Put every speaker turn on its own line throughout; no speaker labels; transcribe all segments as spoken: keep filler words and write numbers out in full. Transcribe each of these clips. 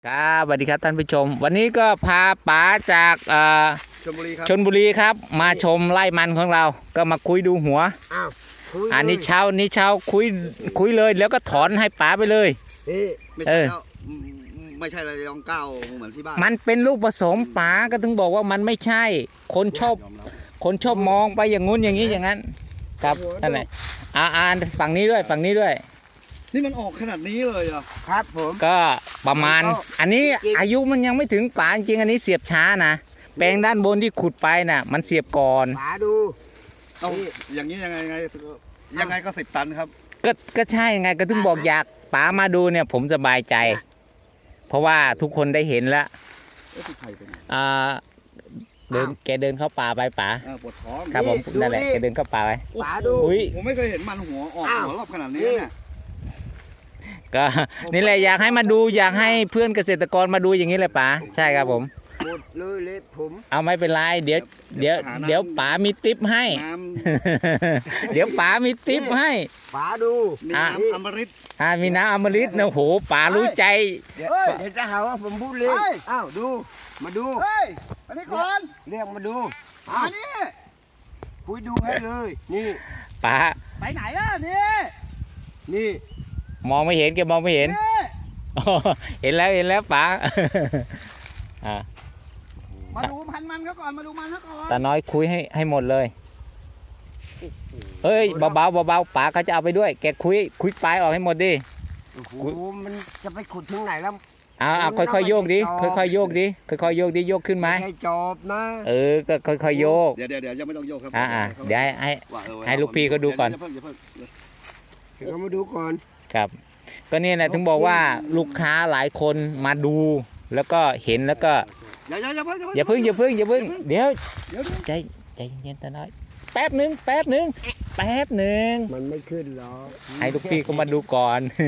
ครับสวัสดีครับท่านผู้ชมวันนี้ก็พาป๋าจากเอ่อ
ชลบุรีครับ
ชลบุรีครับมาชมไร่มันของเราก็มาคุยดูหัว
อ้าวคุย
อันนี้เช้านี้เช้าคุยคุยเลยแล้วก็ถอนให้ป๋าไปเลย
นี่
ไม่
เอ
ใช่
อ
แล้วอืมไม่ใช่ระยองเก้าเหมือนที่บ้าน
มันเป็นลูกผสมป๋าก็ถึงบอกว่ามันไม่ใช่ คนชอบ
ยอมรับ
คนชอบมองไปอย่างงู้นอย่างนี้อย่างนั้นครับนั่นแหละอ่าอ่านฝั่งนี้ด้วยฝั่งนี้ด้วย
นี่มันออกขนาดนี้เลยเหรอ่ะ
ครับผม
ก็ประมาณ
แล้วก็
อันนี้
จริงๆ
อายุมันยังไม่ถึงป๋าจริงๆอันนี้เสียบช้านะแปลงด้านบนที่ขุดไปน่ะ มันเสียบก่อน
ป๋าดู
เอา
นี่
อย่างนี้ยังไงยังไงยังไงก็สิบตันครับ
ก็ก็ใช่ไงก็ถึงบอกอยากป๋ามาดูเนี่ยผมสบายใจ เพราะว่าทุกคนได้เห็นแล้ว
เอ้ยที่ไทยเป็นไง
อ่าเดินแกเดินเข้าป่าไปป๋า
อ่าปวดท้อง
ครับผมนั่นแหละแกเดินเข้าป่าไป
ป๋าดู
อุ้ย
ผมไม่เคยเห็นมันหัวออก
อ้าว
หัวรอบขนาดนี้เนี่ย
ก็นี่แหละอยากให้มาดูอยากให้เพื่อนเกษตรกรมาดูอย่างนี้เลยป๋าใช่ครับผม
หมดเลยเล็บผม
เอาไม่เป็นไรเดี๋ยวเดี๋ยวเดี๋ยวป๋ามีติปให้
น้
เดี๋ยวป๋ามีติปให้
ป๋าดู
ำมี
อ่ะ
น้ำอมฤต
อ่ามีน้ำอมฤตนะโอ้โหป๋ารู้ใจ
เดี๋ยวเดี๋ยวจะหาว่าผมพูดเล่นอ้าวดูมาดู
เฮ้ยอันนี้ก่อน
เรียกมาดู
อั
อ้าวน
นี้
คุยดูให้เลย นี่
ป๋า
ไปไหนล่ะนี่
นี่
มองไม่เห็นแกมองไม่เห็น
นี่
อ๋อเห็นแล้วเห็นแล้วป๋าอ่า
มาดูพันมันเขาก่อนมาดูมันเขาก่อน
ตาน้อยคุยให้ให้หมดเลยเฮ้ยเบาๆเบาๆป๋าเขาจะเอาไปด้วย แกคุยคุยปลายออกให้หมดดิ
โอ้โหมันจะไปขุดถึงไหนแล้ว
เอาเอาค่อยๆโยกดิค่อยๆโยกดิค่อยๆโยกดิโยกขึ้นไหม
ไม่ใช่จอบนะ
เออก็ค่อยๆโยก
เดี๋ยวเดี๋ยวเดี๋ยวยังไม่ต้องโยกครับ
อ่าอ่าเดี๋ยวให้ให้
ว่าเออ
ให้ลูกพี่เขาดูก่อน
อย่าเพิ่งอย่าเพิ่ง
เรามาดูก่อน
ครับ ก็นี่แหละถึงบอกว่าลูกค้าหลายคนมาดู แล้วก็เห็นแล้วก็
อย่าอย่าอย่าเพิ่ง
อย่าพึ่งอย่าพึ่งอย่าพึ่งเดี๋ยว
เดี๋ยว
ใจใจเย็นตาน้อยแป๊บหนึ่งแป๊บหนึ่งแป๊บหนึ่ง
มันไม่ขึ้นหรอก
ให้ลูกพี่เขามาดูก่อน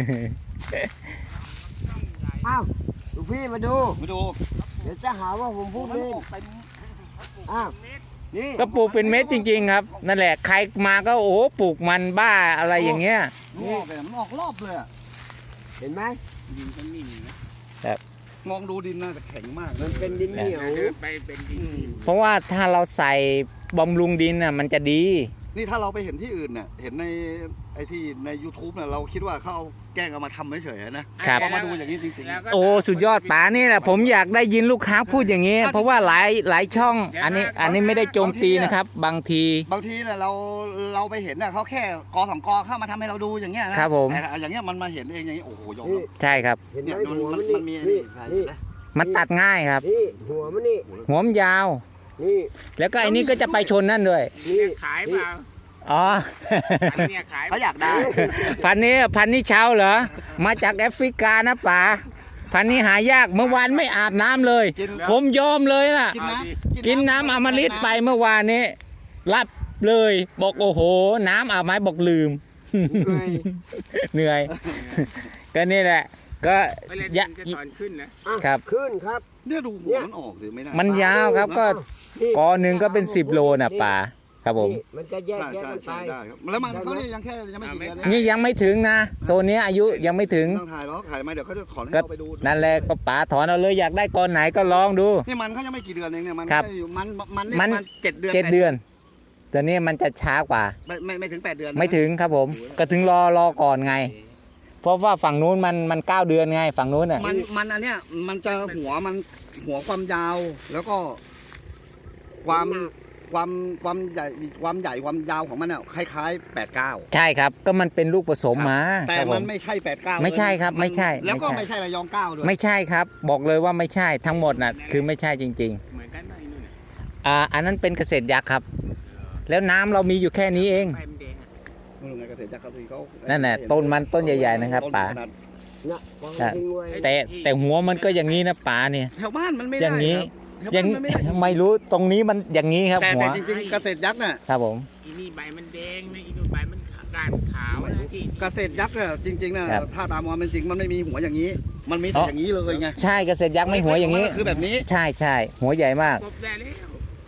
อ้าวลูกพี่มาดู
มาดู
เดี๋ยวจะหาว่าผมพูดเล่นอ้าวนี่
ก็ปลูกเป็นเม็ดจริง ๆ ครับ นั่นแหละใครมาก็โอ้โหปลูกมันบ้าอะไรอย่างเงี้ย
มันออกเลยมันออกรอบเลยอะ
เห็นไหม
ดินฉันนิ่มนะครับ มองดูดินน่าจะแข็งมาก
มันเป็นดินเหนียว
ไปเป็นดิน
เพราะว่าถ้าเราใส่บำรุงดินน่ะมันจะดี
นี่ถ้าเราไปเห็นที่อื่นเนี่ยเห็นในไอที่ใน YouTube เนี่ยเราคิดว่าเขาเอาแกล้งเอามาทำเฉยๆนะครับ พอมาดูอย่างนี้จริงๆ
โอ้สุดยอดป๋านี่แหละผมอยากได้ยินลูกค้าพูดอย่างนี้ เพราะว่าหลายหลายช่อง อันนี้อันนี้ไม่ได้โจมตีนะครับ บางที
บางทีเนี่ยเราเราไปเห็นเนี่ยเขาแค่กอสองกอเข้ามาทำให้เราดูอย่างเงี้ยนะครับ
ผม
แต่อย่างเงี้ยมันมาเห็นเองอย่างนี้โอ้โหยอม
นี่
รับ
ใช่ครับ
เห็นไหม
เนี่ยมัน
หัว
มั
มัน น
มันมี
นี่
นี่
นี่
นะ
มันตัดง่ายครับ
นี่หัวมันนี่
หัวมันยาว
นี่
แล้วก็ไอ้นี่ก็จะไปชนนั่นด้วย
นี่
ขายเปล่า
อ๋อ
อันเนี้ยขาย
เขาอยากได้
พันนี้พันนี้เช้าเหรอมาจากแอฟริกานะป๋าพันนี้หายากเมื่อวานไม่อาบน้ำเลย
กิน
ผมยอมเลยนะ
กินน้ำ
กินน้ำอมฤตไปเมื่อวานนี้ รับเลย บอกโอ้โห น้ำอาบไหมบอกลืม เหนื่อย ก็นี่แหละ ก็
ไปเล่น
ยะ
จะถอนขึ้นนะ
อ่ะ
ครับ
ขึ้นครับ
เนี่ยดูหัวมันออกสิไม่น่า
มันยาวครับก็
นี่
กอหนึ่งก็เป็นสิบโลนะป่าครับผม
นี่มันจะแยก
ใช่
แยก
ใช่
กันไป
ใช่ได้ครับแล้วมันเขาเนี่ยยังแค่ยังไม่กี่เดือน
นี่ยังไม่ถึงนะโซนนี้อายุยังไม่ถึง
ต้องถ่ายแล้วถ่ายมาเดี๋ยวเขาจะถอนให้
ก็
เราไปดู
นั่นแหละก็ป๋าถอนเอาเลยอยากได้กอนไหนก็ลองดู
นี่มันเขายังไม่กี่เดือนเองเนี่ยมัน
ครับ
แค่อยู่มันมันนี่
มัน
ประาณเจ็ดเดือน
เจ็ดเดือนแต่นี่มันจะช้ากว่า
ไม่ไม่ไม่ถึงแปดเดือนนะ
ไม่ถึงครับผม ก็ถึงรอรอก่อนไง เพราะว่าฝั่งนู้นมันมันเก้าเดือนไงฝั่งนู้นอ่ะ
มันมันอันเนี้ยมันจะหัวมันหัวความยาว แล้วก็ความความความใหญ่ความใหญ่ความยาวของมันเนี่ยคล้ายๆแปดเก้า
ใช่ครับ ก็มันเป็นลูกผสมมา
แต่
ครับผ
มัน
ม
ไม่ใช่แปดเก้า
ไม่ใช่ครับไม่ใช่
แล้วก็
ไม่
ไม่
ใช่
ใช่ระยองเก้าด้วย
ไม่ใช่ครับ บอกเลยว่าไม่ใช่ทั้งหมดน่ะคือไม่ใช่จริง
เหมือนกันไหมนู่นน่ะ
ๆอ่าอันนั้นเป็นเกษตรยักษ์ครับ แล้วน้ำเรามีอยู่แค่นี้เอง
ใบมันแดงอะ
ไม่รู้ไงเกษตรจักรเขาที่เขา
นั่นแหละต้นมันต้นใหญ่ๆนะครับ
ต้
ป๋า
ขนด
น่ะวาง
ใช่
ทิ้งไว้
แต่แต่หัวมันก็อย่างนี้นะป๋าเนี่ย
แถวบ้านมันไม่ได้
อย่างนี้
ครับ
ยัง
แถวบ้านมันไม่ได้
ไม่รู้ตรงนี้มันอย่างนี้ครับ
แต่
หัว
แต่จริงๆเกษตรยักษ์เนี่ย
ครับผม
อีนี่ใบมันแดงนะอีนู่นใบมันก้านขาวนะที่
เกษตรยักษ์เนี่ยจริงๆเนี่ยถ้าตามความเป็นจริงมันไม่มีหัวอย่างนี้ มันมีแต่อย่างนี้เลยไง
ใช่เกษตรยักษ์ไม่หัวอย่างนี้
นี้คือแบบนี้
ใช่ใช่หัวใหญ่มาก
กบได้แล้ว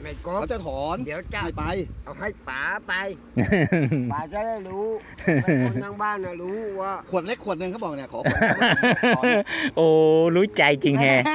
ไม่กบ
เขาจะถอน
เดี๋ยวจะ
ไม่ไป
เอาให้ป๋าไปป๋าจะได้รู้ให้คนทางบ้านน่ะรู้ว่า
ขวดเล็กขวดหนึ่งเขาบอกเนี่ยขอขวดถอน
โอ้รู้ใจจริงแฮะ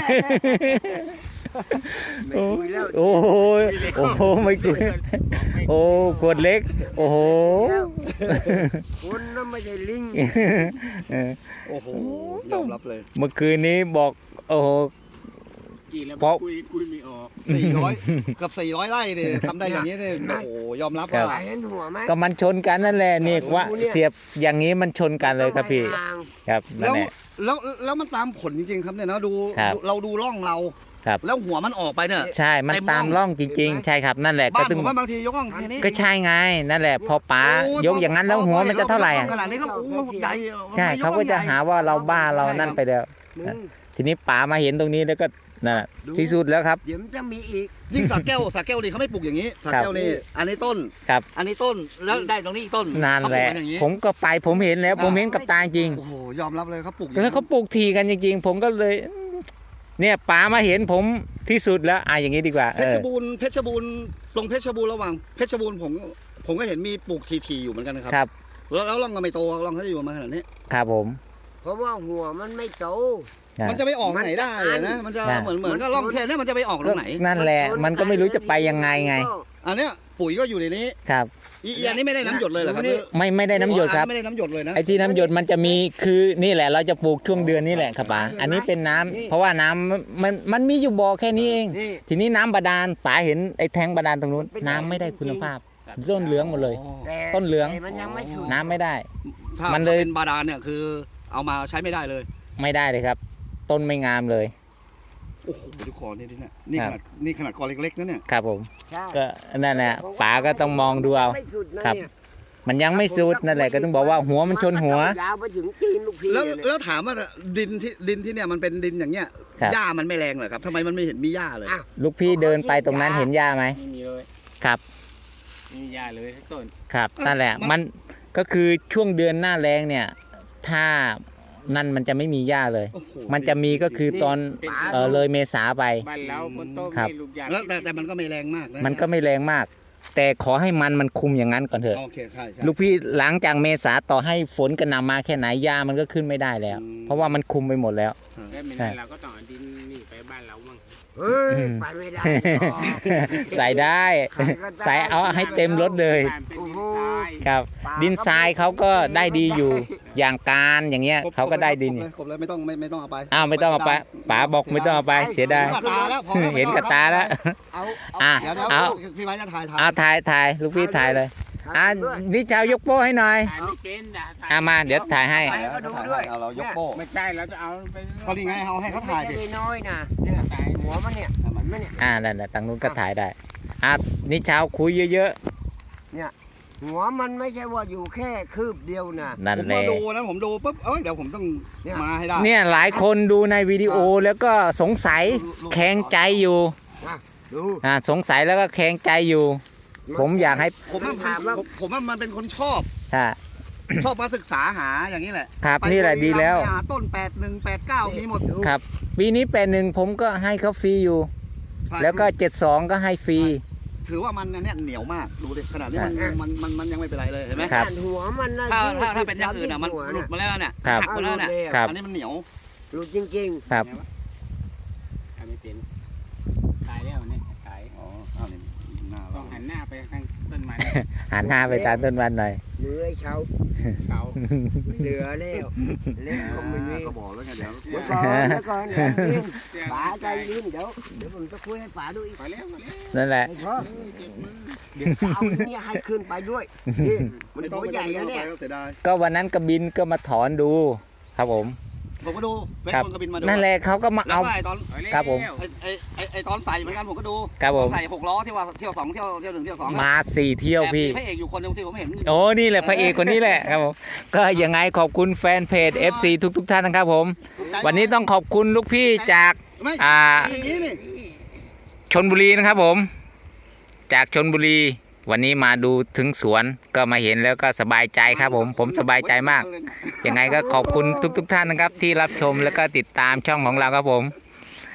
ไม่คุยแล้ว
โอ้โหโอ้โหไม่กุยโอ้ขวดเล็ก โอ้โห
คนนั้นไม่ใช่ลิง
เออ
โอ้โหยอมรับเลย
เมื่อคืนนี้บอกโอ้โห
กี่แล้ว
เพราะ
คุยคุยไม่ออก
สี่ร้อยเกับสี่ร้อยไร่เนี่ยทำได้อย่างนี้เนี่ยโอ้โหยอมรับ
ครั
ว่า
บ
เห็นหัวไหม
ก็มันชนกันนั่นแหละนี่ว่าเสียบอย่างนี้มันชนกันเลยครับพี่
ต้องให้ห่าง
ครับนั่
แล้
น
ว
แหละ
แล้วแล้วมันตามผลจริงๆครับเนี่ยนะดู
ครับ
เราดูร่องเรา
ครับ
แล้วหัวมันออกไปเนี่ย
ใช่มัน
เต็ม
ตาม
ร่
ร่อ
อง ง
จริง ๆ ใช่ครับนั่นแหละก็
บ้าน
ตึง
ผมว่าบางทียกร่องแค่นี้
ก็ใช่ไงนั่นแหละพอป๋า
โอ้
ยกอย่างนั้นแล้วหัวมันจะเท่าไหร่
ย
อ่ะ
กขนาดนี้ก็โอ้โหใหญ่
ใช่เขาก็จะหาว่าเราบ้าเรานั่นไปแล้ว
มึง
ทีนี้ป๋ามาเห็นตรงนี้แล้วก็นั่นแหละที่สุดแล้วครับ
เดี๋ยวมันจะมีอีก
ยิ่งสาแก้วสาแก้วนี่เขาไม่ปลูกอย่างนี้สาแก้วนี่อันนี้ต้น
ครับ
อันนี้ต้นแล้วได้ตรงนี้อีกต้น
นั่นแหละ
เขาปกกันอย่างนี้
ผมก็ไปผมเห็นแล้ว ผมเห็นกับตาจริง
โอ้โหยอมรับเลยเขาปลูกอย่างนี้
แล้วเขาปลูกทีกันจริง ๆ ผมก็เลย เนี่ยป๋ามาเห็นผมที่สุดแล้วอ่ะอย่างนี้ดีกว่า
เพ
เอ
ช
อ
รบูรณ์เพชรบูรณ์ลงเพชรบูรณ์ระหว่างเพชรบูรณ์ผมผมก็เห็นมีปลูกทีๆอยู่เหมือนกันนะครับ
ครับ
แล้วแล้วร่องก็ไม่โตร่องเขาจะอยู่มาขนาดนี้
ครับผม
เพราะว่าหัวมันไม่โต
อ่ะ
มันจะไปออกไหนได้อะนะมันจะ
ใช่
เหมือนเหมือนกับร่องแค่นี้มันจะไปออกต
ก็
รงไหน
นั่นแหละ มันก็ไม่รู้จะไปยังไงไง
อันเนี้ยปุ๋ยก็อยู่ในนี้
ครับ
อีอีอันนี้ไม่ได้น้ำหยดเลยเหรอครับ
ไม่ไม่ได้น้ำหยดครับ
ไม่ได้น้ำหยดเลยนะ
ไอ้ที่น้ำหยดมันจะมีคือนี่แหละเราจะปลูกช่วงเดือนนี้แหละครับป๋าอันนี้เป็นน้ำเพราะว่าน้ำมันมันมีอยู่บ่อแค่นี้เอง
นี่
ทีนี้น้ำบาดาลป๋าเห็นไอ้แทงบาดาลตรงนู้นน้ำไม่ได้คุณภาพต้นเหลืองหมดเลย
อ๋อ
แต่
ต้นเหลือง
แต่มันยังไม่สุด
น้ำไม่ได้
ถ้า
มันเลย
เป็นบาดาลเนี่ยคือเอามาใช้ไม่ได้เลย
ไม่ได้เลยครับ ต้นไม่งามเลย
โอ้โหดูคอนี่ดิเนี่ยนี่
ค
ข
รับ
นาดนี่ขนาดคอเล็กๆนะเนี่ย
ครับผม
ใช่
ก็นั่นแหละป๋าก็ต้องมองดูเอา
ไม่สุดนะครับ เนี่ย
มันยังไม่สุดนั่นแหละก็ต้องบอกว่าหัวมันชนหัว
ยาวไปถึงตีนลูกพี่
แล้ว
เนี่ย
แล้วถามว่าดินที่ดินที่เนี่ยมันเป็นดินอย่างเงี้ย
ครับ
หญ้ามันไม่แรงเหรอครับทำไมมันไม่เห็นมีหญ้าเลย
อ่ะ
ลูกพี่เดินไปตรงนั้นเห็นหญ้าไหม
ไม่มีเลย
ครับ
ไม่มียาเลยทั้งต้น
ครับนั่นแหละมันก็คือช่วงเดือนหน้าแรงเนี่ย ถ้านั่นมันจะไม่มีหญ้าเลย
โอ้โห
มันจะมีก็คือตอน
เป็น
เออเลยเมษาไป
บ้านเราคนต้ม
ครับ
มีลูกยา
แล้วแต่แต่มันก็ไม่แรงมากนะ
มันก็ไม่แรงมาก แต่ขอให้มันมันคุมอย่างนั้นก่อนเถอะ
โอเคใช่ใช่
ลูกพี่หลังจากเมษาต่อให้ฝนกระหน่ำมาแค่ไหนหญ้ามันก็ขึ้นไม่ได้แล้ว
อืม
เพราะว่ามันคุมไปหมดแล้ว
แล้วไม่ได้เราก็ต้องเอาดินนี่ไปบ้านเรามั่ง
เฮ้ยไปไม่ได้หรอก
ใส่ได้ ใส่เอาให้เต็มรถเลย
บ้านเป็นดินทราย
ครับ ดินทรายเขาก็ได้ดีอยู่ อย่างการอย่างเงี้ย
ครบ
เขาก็ได้ดิน
ครบเลยครบเลยไม่ต้องไม่ไม่ต้องเอาไป
อ้าวไม่ต้องเอาไปป๋าบอกไม่ต้องเอาไปเสียดาย
เห็นกับตาแล้วพอแล้ว
เห็นกับตาแล้ว
เอา
อ่ะ
เดี๋ยวเดี๋ยว
เอา
พี่ไม้จะถ่ายถ่าย
เอาถ่ายถ่ายลูกพี่ถ่ายเลย อ่ะนี่เจ้ายกโป้ให้หน่อย
ถ่ายไม่เป็นนะถ่าย
อ่ะมาเดี๋ยวถ่ายให้
ถ่ายแล้วถ่ายให้เอาเรายกโป้
ไม่ใช่เราจะเอาไป
ก็นี่ไงเอาให้เขาถ่ายดิ
ไม่ใช่น้อยๆนะเนี่ยหัวมันเนี่ยเห็นไหมเนี่ย
อ่านั่นแหละทางนู้นก็ถ่ายได้ อ่ะนี่เช้าคุยเยอะ
หัวมันไม่ใช่ว่าอยู่แค่คืบเดียวนะ
ๆ นั่น
ผม
แห
มา
ละ
ดูนะผมดูปุ๊บเอ้ยเดี๋ยวผมต้อง
เนี่ย
มาให้ได้
เนี่ยหลายคนดูในวิดีโอแล้วก็สงสัยแข็งใจอยู่
ดู
อ่าสงสัยแล้วก็แข็งใจอยู่ ผมอยากให้
ผมว่า
ถาม
มัน
ว่า
ผมผมว่ามันเป็นคนชอบ
อ่า
ชอบมาศึกษาหาอย่างนี้แหละ
ครับ
ไป
นี่แหละดีแล้ว
ไปหาต้นแปดหนึ่งแปดเก้ามีหมด
ครับ ปีนี้แปดหนึ่งผมก็ให้เขาฟรีอยู่
ใช่
แล้วก็เจ็ดสองก็ให้ฟรี
ถือว่ามันเนี่ยเหนียวมากดูดิขนาดนี้มันมันมันมันยังไม่เป็นไรเลยเห็นไหม
ครับ
หัวมันนะ
ถ้าถ้าถ้าเป็นอย่างอื่นอ่ะมัน
หัว
หลุดมาแล้วเนี่ย
ครับ
หักมาแล้วเนี่ย
ครับ
อันนี้มันเหนียว
หลุดจริง
ครับ
ถ่ายไม่เป็นตายแล้วเนี่ยตาย
อ๋ออ้าวนี่หน้า
ต้
เรา
องหันหน้าไปทางต้นไม้
หันหน้าไปตามต้นวันหน่อย
ๆเหลือไอ้เช้า
เสา
เหลือแล้วเล็กก็ไม่มี
ก็บอกแล้วไงเดี๋ยว
เดี๋ยวก่อนเดี๋ยวก่อนเดี๋ยวเย็น
เสียง
ป๋าใจเย็นเดี๋ยวเดี๋ยวผมจะคุยให้ป๋าดูอีก
พอแล้วพอแล้ว
นั่นแหละ
ไอ้พ่อ
เจ็บมือ
เดี๋ยวจะเอาเนี่ยให้ขึ้นไปด้วยนี่มัน
ไม่ต้
ตั
อง
ว
ไม่
ให
ต้อ
ญ่
ง
แล้ว
ไป
เนี่ย
ก็เสียดาย
ก็วันนั้นกระบินก็มาถอนดู ครับผม
ผมก็ดูเวท
ครับ
คนกระบินมาดู
นั่นแหละเขาก็มา
แล้ว
เอา
ก็ไอ้ตอน
พอแล้ว
ครับผม
ไอ้ไอ้ไอ้ไอ้ตอนใส่เหมือนกันผมก็ดู
ครับผม
ใส่หกล้อที่ว่าเที่ยวสองเที่ยวเที่ยวหนึ่งเที่ยวสองอะ
มาสี่เที่ยวพี่
แต่มีพระเอกอยู่คนหนึงที่ผมเห็น
โอ้นี่แหละพระเอกคนนี้แหละครับผม ก็ยังไงขอบคุณแฟนเพจ เอฟ ซี ทุกทุกๆท่านนะครับผม วันนี้ต้องขอบคุณลูกพี่จาก
ไม่
อ่า
อย่างนี้นี่
ชนบุรีนะครับผม จากชนบุรี วันนี้มาดูถึงสวนก็มาเห็นแล้วก็สบายใจครับผม ผมสบายใจมาก ยังไงก็ขอบคุณทุกๆทท่านนะครับ ที่รับชมแล้วก็ติดตามช่องของเราครับผม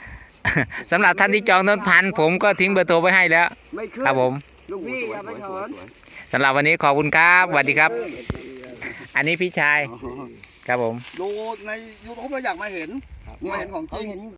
สำหรับท่านที่จองต้นพันธุ์ผมก็ทิ้งเบอร์โทรไว้ให้แล้ว
ไม่ขึ้น
ครับผม
ลูกพี่อย่าไปถอน
สำหรับวันนี้ขอบคุณครับสวัสดีครับ อันนี้พี่ชาย
อ๋อ
ครับผม
ดูในยูทูบเราอยากมาเห็นมาเห็นของจ
เขา
ริง
เห็น